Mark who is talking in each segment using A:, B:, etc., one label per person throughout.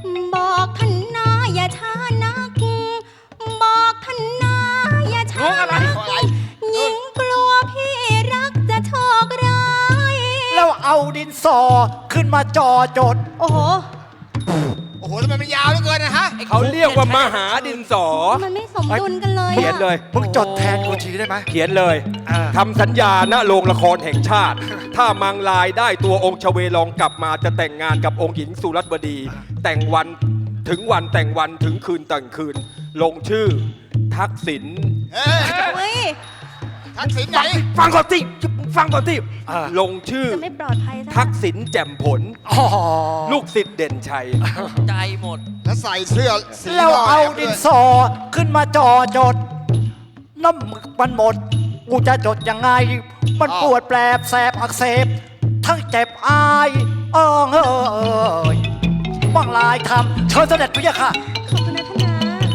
A: บอกท่านนาอย่าช้านักบอกท่านนาอย่าช้านักหญิงกลัวพี่รักจะโชคร้าย
B: แล้วเอาดินสอขึ้นมาจ่อจด
A: โอ้โห
C: โอ้โหทำไมมันยาวเหลือเกินนะฮะ
D: เขาเรียกว่ามหาดินสอ
A: มันไม่สมดุลกันเลย
D: เขียนเลย
B: มึงจดแทนกูทีได้ไหม
D: เขียนเลย
B: อ่า
D: ทำสัญญาณโรงละครแห่งชาติ ถ้ามังลายได้ตัวองค์ชเวลองกลับมาจะแต่งงานกับองค์หญิงสุรัตบดี แต่งวันถึงวันแต่งวันถึงคืนแต่งคืน ลงชื่อ ทักษิณ
C: เอ้ย
A: เฮ้ย
C: ทักษิณไหน
D: ฟังก่อนสิฟังก่อนสิลงชื่อ
A: จะไม่ปลอดภัยซะ
D: ทักษิณแจ่มผล
B: อ๋อ
D: ลูกศิษย์เด่นชัย
E: ใจหมด
C: แล้วใส่เสื้อสี
B: แล้วเอาดิน
C: ด้วย
B: สอขึ้นมาจ่อจด น้ำหมึกมันหมด กูจะจดยังไง มันปวดแปลบแสบอักเสบ ทั้งเจ็บอายเอยบ้างลายคำเชิญเสด็จพระยะค่ะ
A: ขอบคุณนะท่านนา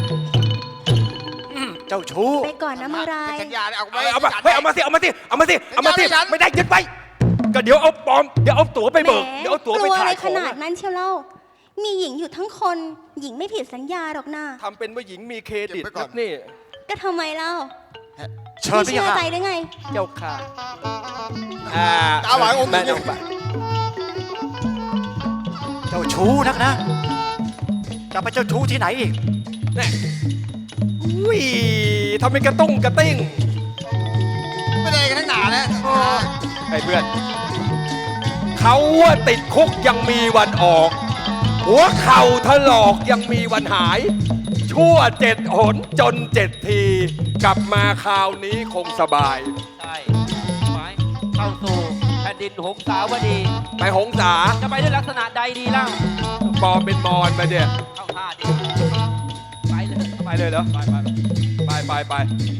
B: เจ้าชู้
A: ไปก่อนนะมังราย
C: สัญญาเนี่ยเอาไว้
D: เอามาเฮ้ยเอามาสิเอามาสิเอามาสิเอามาสิ
C: ไม่ได้
D: ไม่ได้ยึดไปก็เดี๋ยวเอาปลอมเดี๋ยวเอาตั๋วไปเบิก
A: แหม
D: เดี๋ยวเอาตั๋ว
A: ก
D: ไป
A: ลัวอะ
D: ถ่า
A: ไร
D: ยข
A: ข
D: อง
A: นาดนั้นเชียวเล่า มีหญิงอยู่ทั้งคน หญิงไม่ผิดสัญญาหรอกนะ
D: ทำเป็นว่าหญิงมีเครดิต
C: เก็บไว้ก่อน
D: นี่
A: ก็ทำไมเล่า
B: เชิญพ
A: ไม่
B: ระยะ
A: เชื่อ
B: ค่ะ
A: ใจได้ไง
D: เจ้าค่ะ
C: ตาหวานอมยิ้ม
D: แม่น้องปะ
B: เจ้าชู้นักนะ จะไปเจ้าชู้ที่ไหนอีก
D: อุ้ยทำเป็นกระตุ้งกระติ้ง
C: ไม่ได้กันทั้งหนานะ
D: ไอ้เพื่อนเขาว่าติดคุกยังมีวันออก หัวเข่าถลอกยังมีวันหาย ชั่ว7 หนจน7 ที กลับมาคราวนี้คงสบาย
E: ใช่หมายเข้าสู่แผ่นดินหงสาวดี
D: ไปหงสา
E: จะไปด้วยลักษณะใดดีล่ะ
D: ปลอมเป็นมอนไปเดี๋ย
E: เข้าท่าดี ไปเลย
D: ไปเลยเหรอ ไป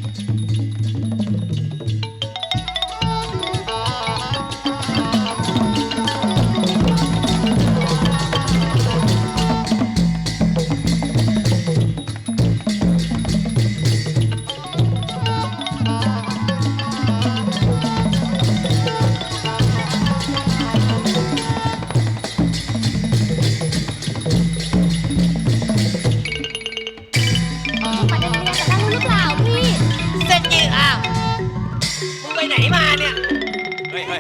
A: มาเดินเรียนกับเราหรือเปล่าพี่
E: เส้นยืดอ้าวมึงไปไหนมาเนี่ย
D: เฮ้ย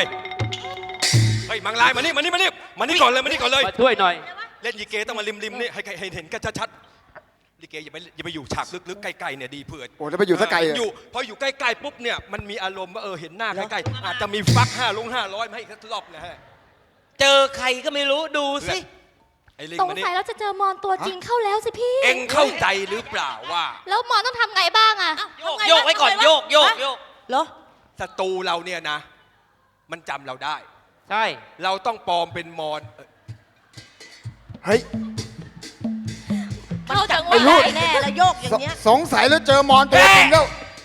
D: มังลายมานี่ก่อนเลยมา
E: ช่วยหน่อย
D: เล่นยีเกต้องมาริมนี่ให้เห็นกันชัดๆลิเกอย่าไปอยู่ฉากลึกๆใกล้ๆเนี่ยดีเผื่อ
C: โอ้จะไปอยู่สักไกลเลย
D: อยู่พออยู่ใกล้ๆปุ๊บเนี่ยมันมีอารมณ์ว่าเห็นหน้าใกล้ๆอาจจะมีฟัก500มาให้อีกรอบนะฮะ
E: เจอใครก็ไม่รู้ดูสิ
D: ไอ้ลิง
A: สง
D: มานี่
A: สัยเราจะเจอมอนตัวจริงเข้าแล้วสิพี่
D: เอ็งเข้าใจหรือเปล่าว่า
A: แล้วมอนต้องทำไงบ้างอะ
E: โยกไว้ก่อนโยก
A: เหรอ
D: ศัตรูเราเนี่ยนะ มันจำเราได้
E: ใช่
D: เราต้องปลอมเป็นมอน
C: เฮ้ย
A: เข้าจังหวะได้แน่แล้วโยกอย่างเงี้ย
C: สงสัยแล้วเจอมอนตัวจริงแล้ว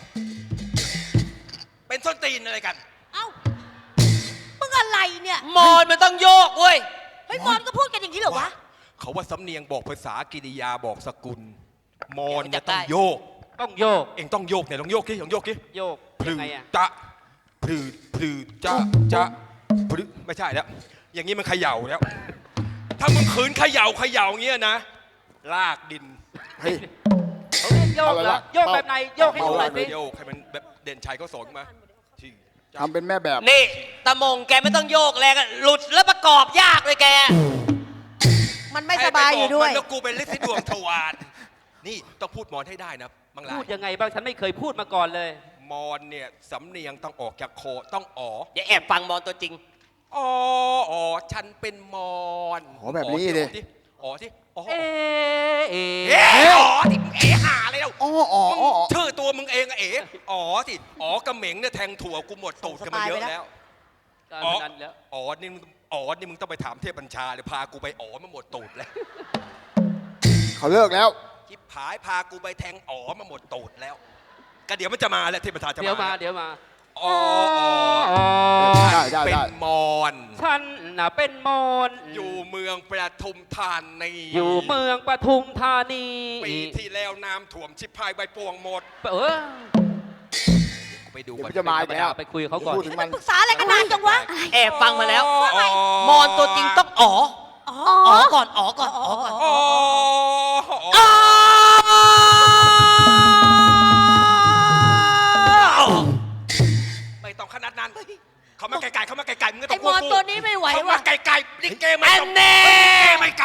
D: เป็นส้นตีนอะไรกัน
A: เอ้ามึงอะไรเนี่ย
E: มอนมันต้องโยกเว้ย
A: เฮ้ยมอนก็พูดกันอย่างนี้เหรอวะ
D: เขาว่าสำเนียงบอกภาษากิริยาบอกสกุล มอน
E: เดี๋
D: เนี่ย
E: ยวจะ
D: ต้อง
E: ได้
D: โยก
E: ต้องโยก
D: เอ็งต้องโยกเนี่ยลองโยกดิลองโยกดิ
E: โยก
D: พลื
E: ยัง
D: อ
E: ไงอะ
D: จะพลือจะพลือไม่ใช่แล้วอย่างนี้มันเขย่าแล้ว ถ้ามึงขืนเขย่าอย่างเงี้ยนะ ลากดิน
C: เฮ้ย
E: เขาเรียกโยก
C: เอา
E: เห
C: อะไร
E: รอ
C: วะ
E: โยกแบบไหนโยกให้ดูหน่อยสิ
D: โยกให้มันแบบเด่นชัยเขาสอนมาที่
C: ทำเป็นแม่แบบ
E: นี่ตะมงแกไม่ต้องโยกแรงอะหลุดแล้วประกอบยากเลยแก
A: มันไม่สบายอยู่ด้วย
D: ให้ไปบอกมันแล้วกูเป็นฤทธิ์ดวงทวารนี่ต้องพูดมอนให้ได้นะบางราย
E: พูดยังไงบ้างฉันไม่เคยพูดมาก่อนเลย
D: มอนเนี่ยสำเนียงต้องออกจากคอต้องอ๋อ
E: อย่าแอบฟังมอนตัวจริง
D: อ๋อฉันเป็นมอน
C: อ๋อแบบนี้ดิ
D: อ๋อที่อ๋อ
E: เอ๊ะ
D: เอ๋อ๋อที่เอ๋หาเลยแล้ว
C: อ๋ออ๋ออ๋อ
D: ชื่อตัวมึงเองอะเอ๋อ๋อที่อ๋อกระเหม็งเนี่ยแทงถั่วกูหมดตูดกันมาเยอะแล้ว
E: การ
D: อ๋อ
E: พนันแล้ว
D: นี่มึงต้องไปถามเทพบัญชาเลยพากูไปอ๋อมาหมดตูดแล้ว
C: เขาเลิกแล้ว
D: ชิบหายพากูไปแทงอ๋อมาหมดตูดแล้วก็เดี๋ยวมันจะมาแล้วเทพบัญชาจะมา
E: เดี๋ยวมาเดี๋ยวมา
D: อ๋อ
C: ได้
D: เป็นมอน
E: ฉันน่ะเป็นมอน
D: อยู่เมืองประทุมธานี
E: อยู่เมืองปทุมธานี
D: ปีที่แล้วน้ำท่วมชิบหายใบปวงหมด
E: เออ
D: ไปดู
C: เดี๋ยว
D: ก่อน
C: มันจะมาอีกแล้ว
E: ไปคุยกับเขาก่อน
C: พูดถึงมัน
A: ปรึกษาอะไรกันนานจังวะ
E: แอบฟังมาแล้ว
D: อ๋อ
E: มอนตัวจริงต้องอ๋อ
A: อ๋อ
E: อ๋อก่อนอ๋อก่อนอ๋อก่อน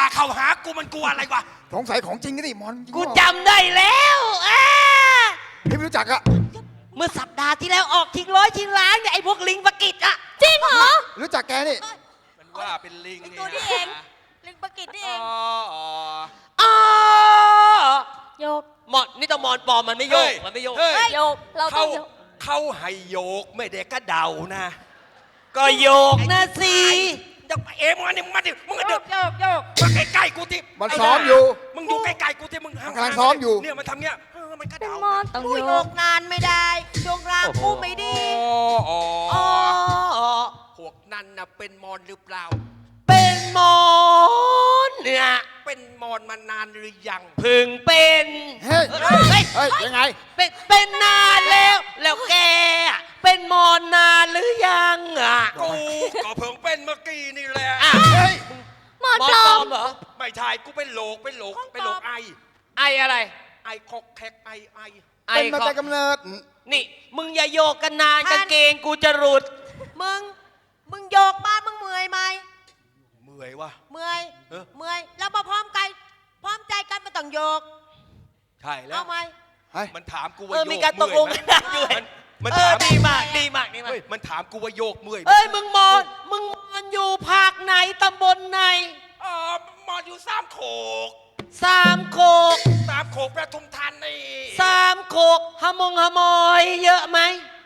D: เข้าหากูมันกลัวอะไรวะ
C: สงสัยของจริงก็ดิมอนจริง
E: กูจำได้แล้ว
C: พี่ไม่รู้จักอะ
E: เมื่อสัปดาห์ที่แล้วออกทิ้งร้อยทิ้งล้านเนี่ยไอ้พวกลิงปะกิดอะ
A: จริงเหรอ
C: รู้จักแกนี่
D: มันว่าเป็นลิง
A: ไอ้ตัวนี้เองลิงปะกิดนี่เอง
E: อ๋อ
A: โยก
E: หมอนนี่ต้องมอนปลอมมันไม่โยกมันไม่โยก
D: เฮ้ย
A: โยกเราต้
D: เขา
A: องโยก
D: เขาให้โยกไม่ได้กระเดานะ
E: ก็โยกนะสิ
D: จะเอ็มงนี่มึงมาดิมึงก็เดิน
E: โยกโยก
D: มาใกล้ๆกูที่
C: มันซ้อมอยู่
D: มึงอยู่ใกล้ๆกูที่มึง
C: มันกำลังซ้อมอยู่
D: เนี่ยมันทำเงี้ยมันกระ
A: เป็น
D: เดาม
A: อนต้อง
F: กู
A: โย
F: โย
A: ก
F: กนานไม่ได้ช่วงล่างกูไม่ดี
D: อ๋อ
E: อ๋อ
D: พวกนั้นน่ะเป็นมอนหรือเปล่า
E: เป็นมอนเนี่ย
D: เป็นมอนมานานหรือยัง
E: พึงเป็น
C: เฮ้ย
E: เฮ้ย
C: เฮ้ย ยังไง
E: เป็นนานแล้วแล้วแกอะเป็นมอนนานหรือยังอ่ะ
D: กูก็เพิ่งเป็นเมื่อกี้นี่แหละ
E: อ่ะ
C: เฮ้ย
A: มอน
E: มอน
A: ปล
E: ป
A: อ
E: ลอ
A: ม
E: มเหรอ
D: ไม่ใช่กูเป็นโหลกไอ
E: ไออะไร
D: ไอคอกแคกไอ
E: ไอ
C: เป็นมา
E: ขอ
C: แต่กำเนิด
E: นี่ มึงอย่าโยกกันนานกางเกงกูจะหลุด
F: มึงโยกบ้านมึงเมื่อยไหม
D: เมื่อยวะ
F: เมื่อย
D: เออ
F: เมื่อยแล้วมาพร้อมกันพร้อมใจกันมาต้องโยก
D: ใช่แล้ว
F: เอาไหม
C: เฮ้ย
D: มันถามกูว่า
E: เออ
D: โยก
E: มีการตกลง
D: เมื่อย
E: กัน
D: ไหม
E: ด้วย
D: มัน
E: เอ
D: ถา
E: อ
D: ม
E: ดีมากดีมากดีมาก
D: เฮ้ยมันถามกูว่าโยกเมื่อยไหม
E: เอ้ยมึงมอนอยู่ภาคไหนตำบลไหน
D: อ๋อมอนอยู่สามโขก
E: สามโคก
D: สามโขกประทุมธานี
E: สามโคกฮมอย เยอะไหม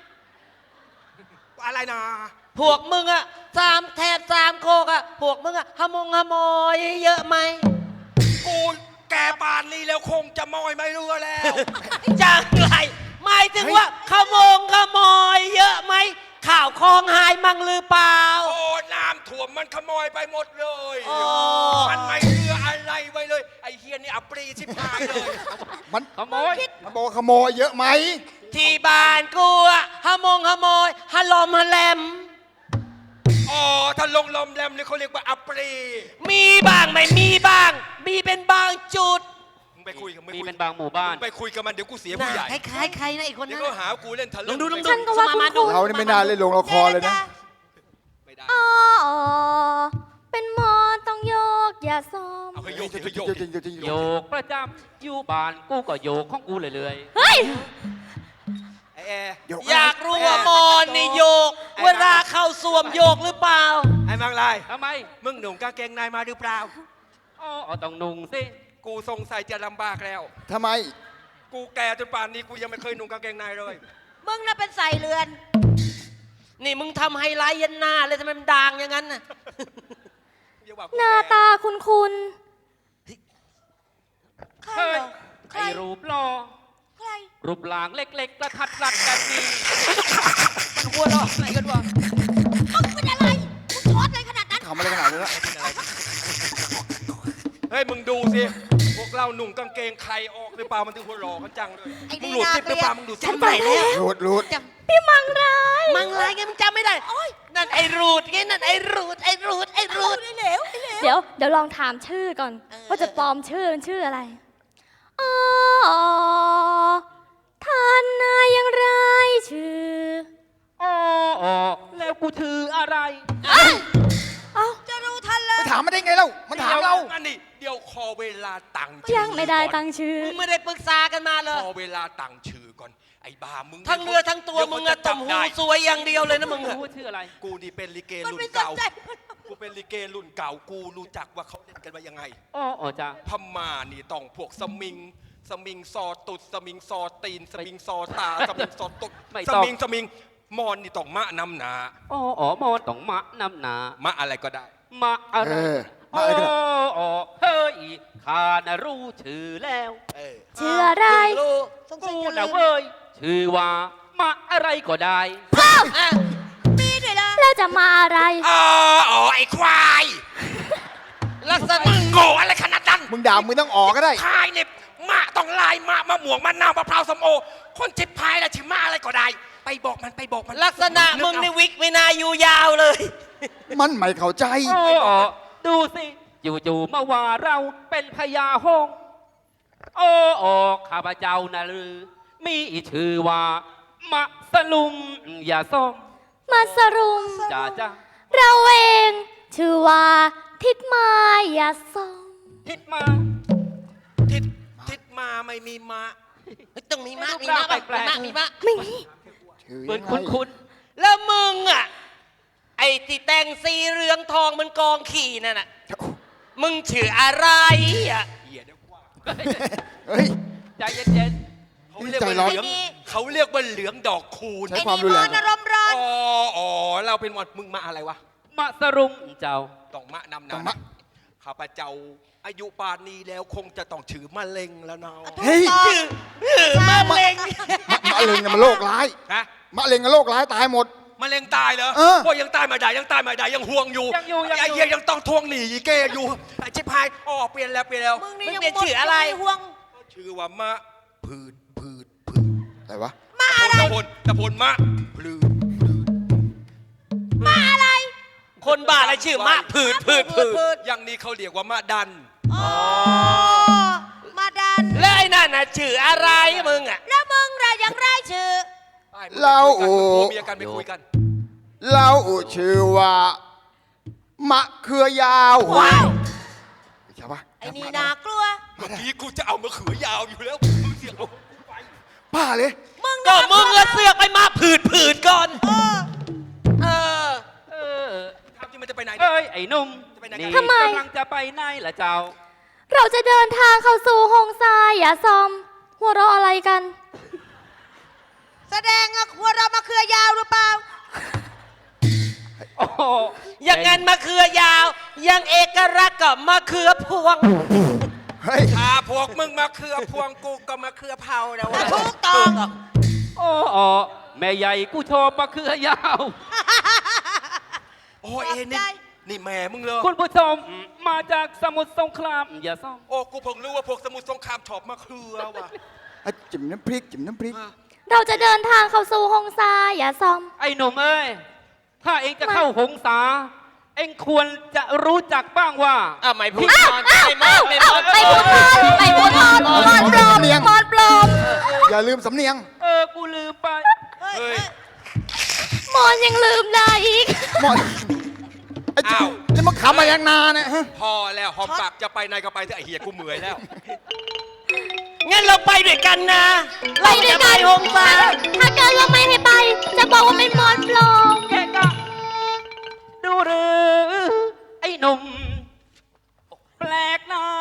D: อะไรนะ
E: พวกมึงอะแถบสามโคกอะพวกมึงอะฮมอย เยอะไหม
D: กูแกปานนี้แล้วคงจะมอยไม่เรือแล้ว
E: จังไรหมายถึงว่าขโมย เยอะไหมข่าวคลองหายมั่งหรือเปล่า
D: โอ้น้ำท่วมมันขโมยไปหมดเลย
E: โอ้
D: มันไม่เหลืออะไรไว้เลย ไอ้เฮียนี่อัปรีชิบหายเลย
C: มัน
E: ขโมย
C: มันบอกว่าขโมยเยอะไหม
E: ที่บ้านกูอะขโมยฮลอมฮแลม
D: อ๋อถ้าลงลมแรมนี่เขาเรียกว่าอัปรี
E: มีบ้างไม่มีบ้าง มีเป็นบางจุด
D: มึงไปคุยกับ
E: มีเป็นบางหมู่บ้าน
D: มึงไปคุยกับมันเดี๋ยวกูเสียผู้ใหญ่
E: คล้ายๆใครนะอีกคน
D: เดี๋ย
E: นั้
D: วน ก็หากูเล่นทะลึ่
E: ลองดู
A: ฉันก็ว่า
E: สมาดู
A: คุ้น
C: เรานี่ไม่น่าเล่นลงละครเลยนะ
D: ไม่ได้
A: ๆอ๋อเป็นมอนต้องโยกอย่าซ้อม
D: เอาให้โยกให้โยก
C: จริงๆจริงๆ
E: โยกประจำอยู่บ้านกูก็โยกของกูเรื่อย
A: เฮ้ย
D: ไอ้แอร์
C: โยก
E: ๆอยากรู้ว่ามอนนี่โยก เวลาเข้าสวมโยกหรือเปล่า
D: ไอ้มังลาย
E: ทำไม
D: มึงหนุ่มกางเกงในมาหรือเปล่า
E: อ๋อต้องนุ่งสิ
D: กูสงสัยจะลำบากแล้ว
C: ทำไม
D: กูแก่จนป่านนี้กูยังไม่เคยหนุ่มกางเกงในเลย
F: มึงน่ะเป็นใส่เรือน
E: นี่มึงทำไฮไลท์ยันหน้าเลยทำไมมันด่างอย่างนั้นน่ะ
D: อย่ว่กู
A: หน้า
D: แก่
A: ตาคุณ
F: ใคร
E: เฮ้
F: เห
E: ย
F: รอใคร
E: ไอ้รูปหล่อ
F: ใคร
E: รูปร่างเล็กๆกระทัดรัดกันดีมันหัวเราะอะไรกันวะ
F: มึงเป็นอะไรมึงช็อตอะไรขนาดนั้น
C: ทำอะไรขนาดนี้ละ
D: เฮ้ยมึงดูสิ พวกเราหนุ่มกางเกงใครออกหรือเปล่ามันถึงหัวหล่อกันจังเลย
F: ไอ้
D: มึ
F: นี่
D: งหลุดซิปหรือเปล่า
F: น่าเกลียด
D: มึงดูซิ
E: ฉั
D: ป
E: นไปแล้ว
C: รูดรูด
A: ๆ พี่มังราย
E: มังลายไงมึงจำไม่ได้ นั่นไอ้รูดไงนั่นไอ้รูด
F: ไอ้เหลวไอ้เหลว
A: เดี๋ยวลองถามชื่อก่อน ว่าจะปลอมชื่อมันชื่ออะไรอ๋อท่านนายยังไรชื่อ
E: อ๋อแล้วกูถืออะไร
A: เอ้า
F: จะรู้ทันเลย
C: ไปถามมันได้ไงเล่ามันถามเรา
D: อันนี้เดี๋ยวขอเวลาตั้ง
A: ยังไม่ได้ตั้งชื่อ
E: มึงไม่ได้ปรึกษากันมาเลย
D: ขอเวลาตั้งชื่อก่อน ไอ้บ้ามึง
E: ทั้งเรือทั้งตัว
D: ดี๋ย
E: มึง
D: เขา
E: อะ
D: จะ
E: ต่ำ
D: บ
E: หู
D: ได้
E: สวยอย่างเดียวเลยนะมึงอะชื่ออะไร
D: กูนี่เป็นลิเก
F: มัน
D: รุ่น
F: ไม่สน
D: เก่า
F: ใจ
D: กูเป็นลิเกรุ่นเก่า กูรู้จักว่าเขาเล่นกันมายังไง
E: อ๋อจ้ะ
D: พม่านี่ต้องพวกสมิงซอตุดสมิงซอตีนสมิงซอตาสมิงซอตุด
E: ไม่
D: ส
E: ต้อง
D: มิงมอนนี่ต้องมะนำหนา
E: อ๋อมอนต้องมะนำหนาม
D: ะอะไรก็ได้
E: มะอะไร
C: เออมาอะไรกันอะ
E: อ๋อเฮ้ยข้าน่ะรู้ชื่อแล้ว
A: ชื่ออะไร
E: เพิ่งรู้กูน่ะเว้ยชื่อว่ามะอะไรก็ได้อ่ะ
F: มีด้วยนะ
A: แล้วจะมาอะไร
D: อ๋อไอ้ควาย
E: ลักษณะ
D: มึงโง่อะไรขนาดนั้น
C: มึงด่ามึงต้องออกก็ได้
D: พายเนี่ยมะต้องลายมะม่วงมะนาวมะพร้าวส้มโอ คนจิบพายแล้วชิมะอะไรก็ได้ ไปบอกมัน
E: ลักษณะมึงในวิกไม่น่าอยู่ยาวเลย
C: มันไม่เข้าใจ
E: อ๋อดูสิอยู่ๆมาว่าเราเป็นพญาหงส์โอ้ข้าพเจ้านะลือ มีชื่อว่ามะสลุมอย่าซ่อม
A: มาสรุม
E: จ้า
A: เราเอง ชื่อว่าทิดมายาสม
E: ทิศมา
D: ทิศมาไม่มีมา
F: ต้องมีมาก
E: รูปร่างแปลกๆ
F: มีมาก
A: ไม่มี
C: ชื่อ
E: เหมือน
C: ยังไง
E: คุ้น
F: แล้วมึงอ่ะ ไอ้ที่แต่งสีเรืองทองมันกองขี่นั่นน่ะ มึงชื่ออะไรอ่ะ
C: เฮ้ย
E: ๆใจเย็น
D: เขาเรียกว่าเหลือง
F: ใจร้อน
D: เขาเรียกว่าเหลืองดอกคูณ
C: ใช้ความรุนแรง
F: ไอ้นี่มอนอารมณ์ร้อน
D: อ๋อเราเป็นวันมึงมาอะไรวะ
E: ๆมาสรุมเจ้า
D: ต้องมะนำ
C: ต้
D: นา
C: องมะ
D: ข้าพเจ้าอายุป่านนี้แล้วคงจะต้องถือมะเร็งแล้วเนาะ
C: เฮ้ย
F: มะเร็ง
C: มะเร็งเนี่ยมันโรคร้าย
D: ฮะ
C: มะเร็งกับโรคร้ายตายหมด
D: มะเร็งตายเหรอ
C: เออ
D: โอ้ยยังตายไม่ได้ยังตายไม่ได้ยังห่วงอยู่
E: ยังอยู่
D: ไอ้เหี้ยยังต้องทวงหนี้อีเก้อยู่ไอ้ชิบหายอ๋อเปลี่ยนแล้ว
F: มึงมึนี่ งยังเปลี่ยนชื่ออะไรห่วง
D: ชื่อว่ามะผืด
C: อะไรวะ
F: มาอะไร
D: ตะพลมะผืด
F: มาอะไร คนบ้าอะไรชื่อมะผืด
D: อย่างนี้เขาเรียกว่ามะดัน
F: อ๋อมาดันแล้วไอ้นั่นน่ะชื่ออะไรมึงอ่ะแล้วมึงล่ะยังไรชื่อ
C: เรา
D: ผัวเมียกันไปคุยกัน
C: เราชื่อว่ามะเขือยาว
F: ว้าย
C: ใช่ปะ
F: ไอ้นี่น่ากลัว
D: เมื่อกี้กูจะเอามะเขือยาวอยู่แล้วมึงเสียง
C: ป้าเลย
F: ก็มึงเสือกไปมาผืดก่อนเออ
E: เออ
D: ทำที่มันจะไปไหนเนี่ย
E: เอ้ย ไอ้หนุ่ม
D: จะไปไหนกัน
E: นี่
A: ทำไม
E: กำลังจะไปไหนล่ะเจ้า
A: เราจะเดินทางเข้าสู่หงทรายอย่าซอม หัวเราะอะไรกัน
F: แสดงว่าเรามาเครือยาวหรือเปล่า
E: โอ้โห
F: อย่างงั้นมะเขือยาว ยังเอกลักษณ์กับมะเขือพวง
C: เฮ้ย
D: พวกมึงมาเครือพวงกูก็มาเครือเผาแล้ววะ
F: ถูกต้อง
E: โอ้โหแม่ใหญ่กูโชว์ปะเคือยาว
D: โอ้ยเอ็นี่แม่มึงเลย
E: คุณผู้ชมมาจากสมุทรสงคราม อย่าซ่อม
D: โอ้กูเพิ่งรู้ว่าพวกสมุทรสงครามชอบมาเครือว่ะ
C: จิ้มน้ำพริกจิ้มน้ำพริก
A: เราจะเดินทางเข้าสู่หงทรายอย่าซอม
E: ไอ้หนุ่มเอ้ย ถ้าเองจะเข้าหงสา เองควรจะรู้จักบ้างว่า
F: ไม่พูดก่อนไม่มากไม่มาก
A: ไปพูดทอนไปพูดทอนมอนปลอมมอนปลอม
C: อย่าลืมสำเนียง
E: กูลืมไป
D: เฮ้ย
A: มอนยังลืมได้อีก
C: หมดไอ้เจ้า
D: อ้าว
C: นี่มันขำมายังนานเนี่ยฮะ
D: พอแล้วหอมปากจะไปไหนก็ไปเถอะไอ้เหี้ยกูเมื่อยแล้ว
F: งั้นเราไปด้วยกันนะ
A: ไปด้วยกัน
F: หงสา
A: ถ้าเกิดเราไม่ให้ไป จะบอกว่าเป็นมอนปลอม
E: แกก็ดูหรือไอ้หนุ่ม แปลกหน้า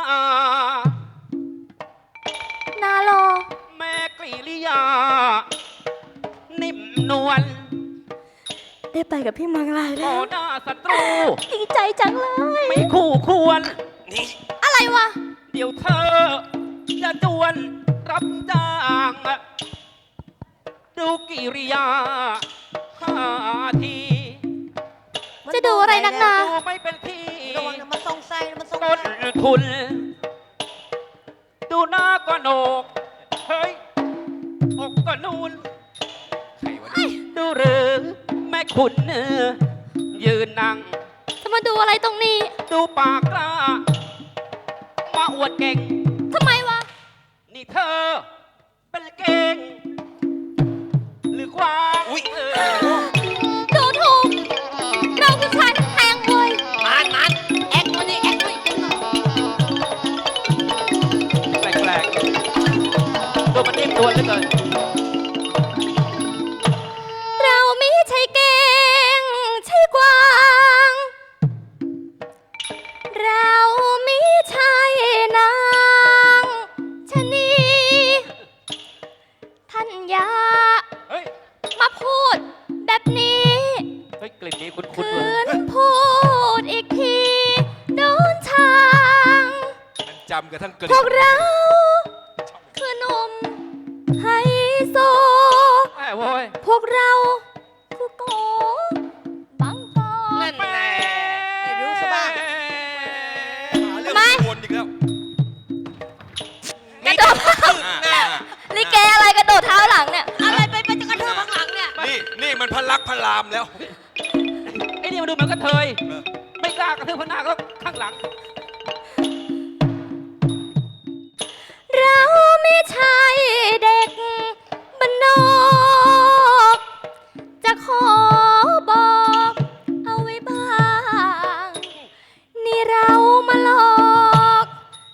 A: นาโล
E: แม่กริริยา นิ่มนวล
A: ได้ไปกับพี่มังลาย
E: ต่
A: แล้
E: อ
A: ว
E: หน้าศัตรู
A: ดีใจจังเลย
E: ไม่คู่ควร
D: นี่
A: อะไรวะ
E: เดี๋ยวเธอ จะจวนรับจ้าง ดูกิริยาท่าที
A: จะดูอะไรนักหนา
E: ดูไม่เป็นที่
F: ระวังนะมันทรงไส้มันทรง
E: ต้นทุน ดูหน้าก็โหนก เฮ้ยอกก็นูน
D: ใครวะเนี่ย
E: ดูหรือแม่คุณยืนนั่ง
A: จะมาดูอะไรตรงนี้
E: ดูปากกล้า มาอวดเก่ง
A: ทำไมวะ
E: นี่เธอ เป็นเก่ง หรือความ
A: ดูถูก เราคือชายทั้งแพงเว้ย
F: มันแอคมันนี่แอคด้วย
E: แปลกๆตัวมันนิ่มนวลเหลือเกิน
A: เราไม่ใช่เก่งใช่กวาง เราไม่ใช่นางชะนีท่านอย่า
E: เฮ้ย
A: มาพูดแบบนี้
E: เฮ้ย กลิ่นนี้คุ้นๆ
A: คื
E: เลย
A: นพูดอีกทีโดนทาง
D: มันจำกันทั้งกลิ่
A: พวกเราคือหนุ่มไฮโซ
E: แม่โว้ย
A: พวกเราคือโกบังกอ
F: นั่นแน่ไม่รู้ซะบ้าง
D: เรื่อง
A: ไม่
D: วนอีกแล้ว
F: กระโดด
A: ลิเกอะไรกระโดดเท้าหลังเนี่ย
F: อะไรไปจะกระเทือบข้างหลังเนี่ย
D: นี่มันพลักพลามแล้ว
E: ไอ้นี่มันดูเหมือนกระเทย ไม่กล้ากระทืบพนาก็ข้างหลัง
A: เราไม่ใช่เด็กบ้านนอก จะขอบอกเอาไว้บ้าง นี่เรามาหลอก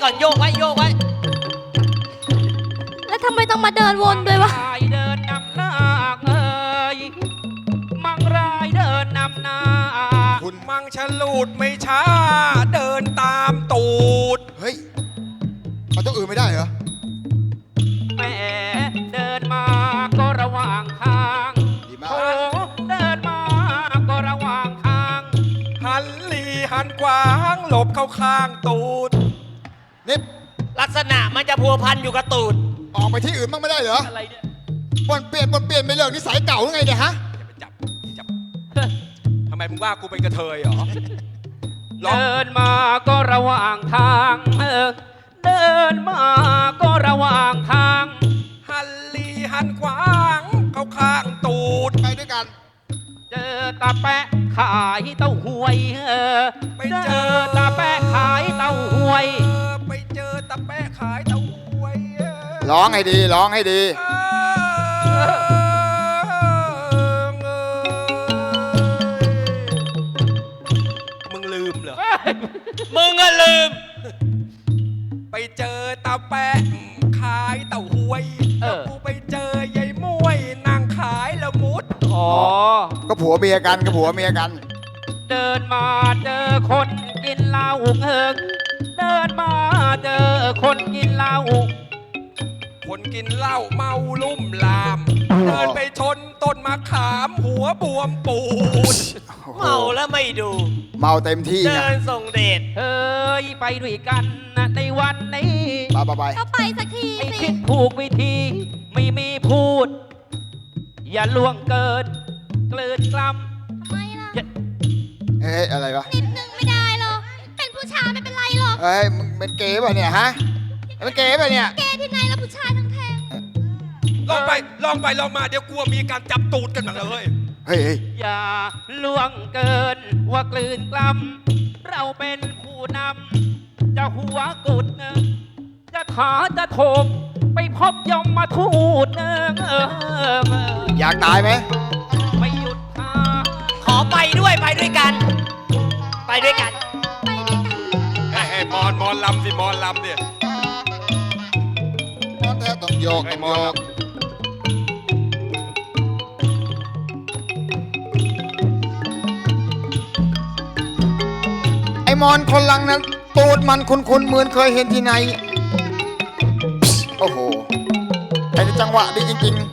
F: ก่อนโยกไว้โยกไว้
A: แล้วทำไมต้องมาเดินวนด้วยวะ
E: มังรายเดินนำหน้าเอ้ยมังรายเดินนำหน้า
D: คุณมังฉลูดไม่ช้า เดินตามตูด
C: เฮ้ยเอาตัวอื่นไม่ได้เหรอ
E: แหมเดินมาก็ระหว่างทาง
C: ดีมาก
E: โอ้เดินมาก็ระหว่างทาง
D: หันหลีหันกวางหลบเข้าข้างตูด
C: นี่
F: ลักษณะมันจะพัวพันอยู่กับตูด
C: ออกไปที่อื่นบ้างไม่ได้เหรอ
E: อะไรเนี่ย
C: ปนเปลี่ยนไปเรื่องนิสัยเก่าหรือไงเนี่ยฮะ
D: อย่าไปจับทำไมมึงว่ากูเป็นกระเทยเหรอร้อง
E: เดินมาก็ระหว่างทางเดินมาก็ระหว่างทาง
D: หันหลีหันกวางเข้าข้างตูด
C: ไปด้วยกัน
E: เจอตาแปะขายเต้าหวย
D: ไป
E: เจ
D: เจ
E: อ
D: อ
E: ตาแปะขายเต้าหวย
D: ไปเจอตะแปะขายเต้าหวย
C: ร้องให้ดี ร้องให้ดี
D: มึงลืมเหรอ
F: มึงอะลืม
D: ไปเจอตาแปะขายเต้าหวย
E: เออ
D: แล้วกูไปเจอยายม้วยนางขายละมุด
E: อ๋อ
C: ก็ผัวเมียกันก็ผัวเมียกัน
E: เดินมาเจอคนกินเหล้าเดินมาเจอคนกินเหล้า
D: คนกินเหล้าเมาลุ่มลาม เดินไปชนต้นมะขามหัวบวมปูด
F: เมาแล้วไม่ดู
C: เมาเต็มที่
F: เดิ
C: ไง
F: นส่งเดช
E: เฮ้ยไปด้วยกันนะในวันนี้
C: ไป
A: ก็ไปสักที
E: ไอ้
A: สิ
E: คิดถูกวิธีไม่มีพูด อย่าล่วงเกินเกลืนกล้
A: ทำไมล่ะ
E: ำอย่า
C: เฮ้ยอะไรวะ
A: นิดนึงไม่ได้หรอก เป็นผู้ชายไม่เป็นไรหรอก
C: เฮ้ยมึงเป็นเกย์ป่ะเนี่ยฮะเป็นเกย์ป่ะเนี่ย
A: แกที่ไหนแล้วผู้ชายทั้งแทง
D: ลองไปลองมาเดี๋ยวกลัวมีการจับตูดกันมาเลย
C: เฮ้ย
E: อย่าล่วงเกินว่ากลืนกล้ำเราเป็นผู้นำจะหัวกุดจะขาจะโถมไปพบยมมาทูด
C: อยากตายไหม
E: ไม่หยุดทาง
F: ขอไปด้วยไปด้วยกัน ไปด้วยกัน
A: ไปด้วยกัน
D: ให้มอนลำสิมอนลำดิ
C: มอนแท้ต้องโยก
D: ให้
C: ต้อง
D: ม
C: โย
D: อนล
C: กไอ้มอนคนหลังนั้นตูดมันคุ้นๆเหมือนเคยเห็นที่ไหน โอ้โหไอ้นี่จังหวะดีจริงๆ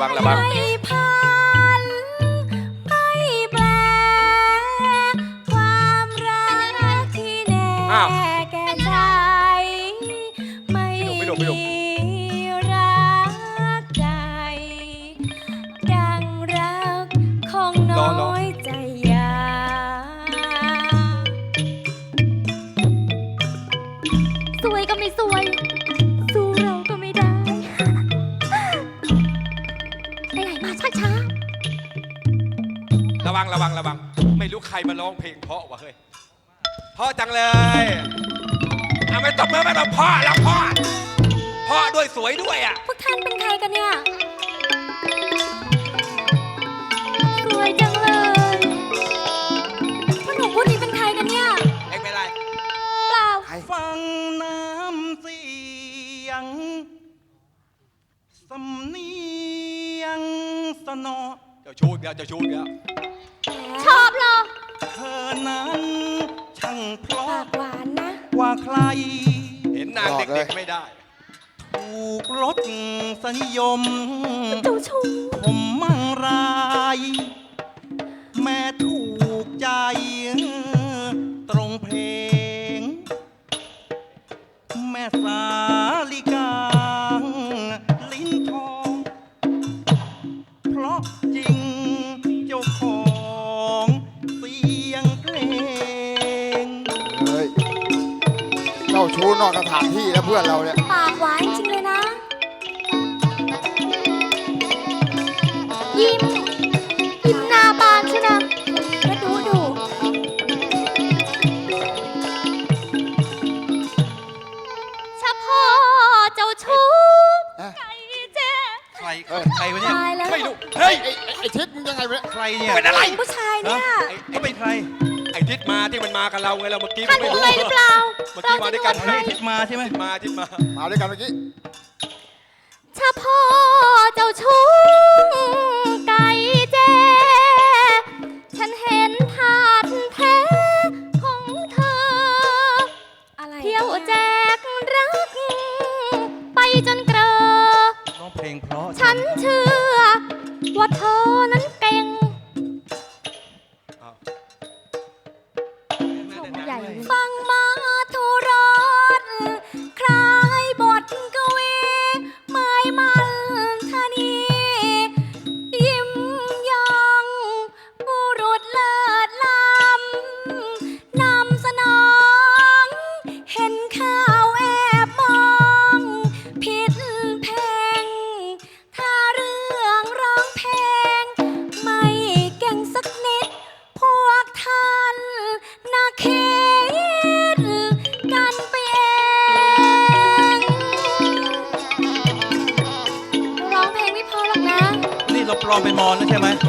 D: งระวัง
A: ไม่พันไม่แปลความรักที่แน่
D: อ้าว
A: แก่ใจไม่
D: ไม่ดุไม่ดุ
A: มีรักใจดังรักของน้อยใจยาสวยก็ไม่สวย สู้เราก็ไม่ได้ ไปไหนมาช้า
D: ระวังระวังระวัง ไม่รู้ใครมาร้องเพลงเพราะวะเฮ้ยเพราะจังเลยเอาไม่ตบมือไม่ต้องพ่อแล้วพ่อด้วยสวยด้วยอ่ะ
A: พวกท่านเป็นใครกันเนี่ย สวยจังเลยพวกหนูพวกนี้เป็นใครกันเนี่ย
D: เอ็งเป็นไร
A: เปล่า
G: ฟังน้ำเสียง สำเนียงสนอ
D: เจ้าชู้อีกแล้วเจ้าชู้อีกแล้ว
A: ชอบเหรอ
G: เธอนั้นช่างเพราะ
A: ปากหวานนะ
G: กว่าใคร
D: เห็นนางเด็กๆไม่ได้
G: ถูกรสสนิยม
A: เจ้าชู้
G: ผมมั่งราย แม่ถูกใจ ตรงเพลง แม่สาลิกา ลิ้นทอง เพราะจริงเจ้าของเสียงเพลง
C: เฮ้ยเจ้าชู้นอกสถานที่แล้วเพื่อนเราเนี่ย
A: ปากหวานจริงเลยนะ ยิ้ม ยิ้มหน้าบานใช่นะแล้วดูเฉพาะเจ้าชู้
C: เอ๊ะ
A: ไก่เจ๊
G: ใครใครวะเนี่ย
A: ตายแล้ว
D: ไม่รู้เฮ้ย
C: ไอ้ทิศมึงยังไงวะเนี่ย
G: ใครเนี่ย
D: เป็นอะไร
A: ผู้ชายเนี่ย
G: เขาเป็นใคร
D: ไอ้ทิศมาที่มันมากับเราไงเราเมื่อกี้
A: ท่าน
D: ไม่
A: รู้
D: รู้
A: เลยหรือเปล่า
D: เมื่อกี้มาด้วยกัน
G: ใครทิศมาใช่ไหม
D: ทิศมา
C: มาด้วยกันเมื่อกี้
A: เฉพาะเจ้าชู้ไก่เจ ฉันเห็นถาดแท้ของเธอ อะไรเที่ยวแจกรัก ไปจนเกลอ
G: ร้องเพลงเพราะ
A: ฉันเชื่อ ว่าเธอนั้นเก่งใหญ่ฟังมาทุรสคล้ายบทกวีหมายมันธนี ยิ้มยองบุรุษเลิศล้ำนำสนอง เห็นข่าวแอบมอง ผิดเพลง ถ้าเรื่องร้องเพลง ไม่เก่งสักนิด พวกท่านน่าคิดกันไปเองร้องเพลงไม่พอหรอกนะ
G: นี่เราปลอมเป็นมอนแล้วใช่ไหม
D: โ